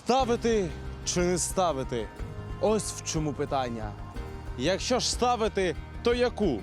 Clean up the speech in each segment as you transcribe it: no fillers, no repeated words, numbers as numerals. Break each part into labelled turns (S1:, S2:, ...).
S1: Ставити чи не ставити? Ось в чому питання. Якщо ж ставити, то яку?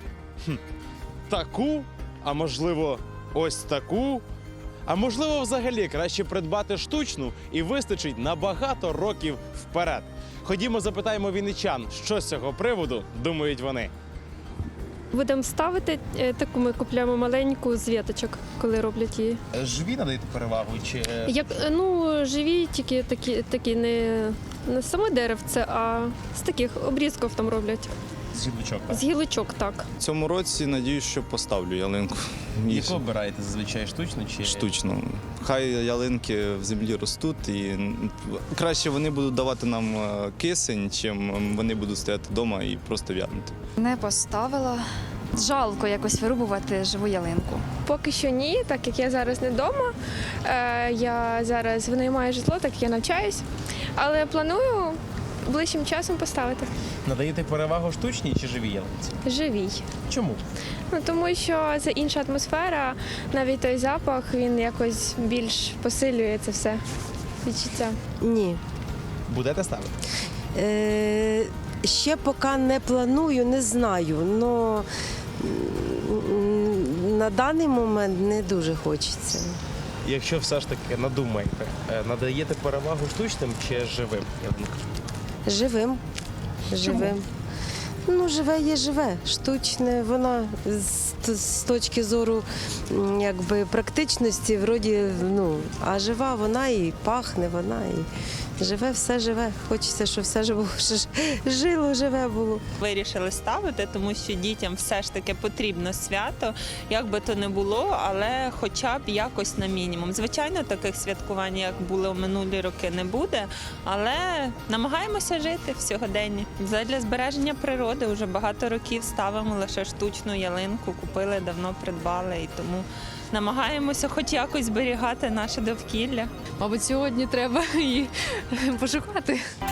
S1: Таку? А можливо, ось таку? А можливо, взагалі краще придбати штучну і вистачить на багато років вперед. Ходімо, запитаємо вінничан, що з цього приводу думають вони.
S2: Будемо ставити таку, ми купуємо маленьку з віточок, коли роблять її.
S1: Живі надаєте перевагу чи
S2: Живі, тільки такі не саме деревце, а з таких обрізків там роблять.
S1: з гілочок?
S2: З гілочок, так.
S3: В цьому році надіюсь, що поставлю ялинку.
S1: Яку обираєте зазвичай штучну чи
S3: Штучно. Хай ялинки в землі ростуть і краще вони будуть давати нам кисень, чим вони будуть стояти вдома і просто в'янути.
S4: Не поставила. Жалко якось вирубувати живу ялинку.
S5: Поки що ні, так як я зараз не вдома. Я зараз винаймаю житло, так як я навчаюсь. Але планую ближчим часом поставити.
S1: надаєте перевагу штучній чи живій ялинці?
S5: Живій.
S1: Чому?
S5: Тому що це інша атмосфера, навіть той запах, він якось більш посилює це все відчуття.
S6: Ні.
S1: Будете ставити?
S6: Ще поки не планую, не знаю. Но на даний момент не дуже хочеться.
S1: Якщо все ж таки надумаєте, надаєте перевагу штучним чи живим ялинкам?
S6: Живим. Живим. Ну, живе є живе. Штучне, вона з точки зору якби практичності, вроді, а жива вона і пахне, вона і живе, все живе. Хочеться, щоб все жило, живе було.
S7: Вирішили ставити, тому що дітям все ж таки потрібно свято, як би то не було, але хоча б якось на мінімум. Звичайно, таких святкувань, як були у минулі роки, не буде, але намагаємося жити в сьогоденні. Задля збереження природи вже багато років ставимо лише штучну ялинку, купили, давно придбали, і тому намагаємося хоч якось зберігати наше довкілля.
S8: Мабуть, сьогодні треба її пошукати.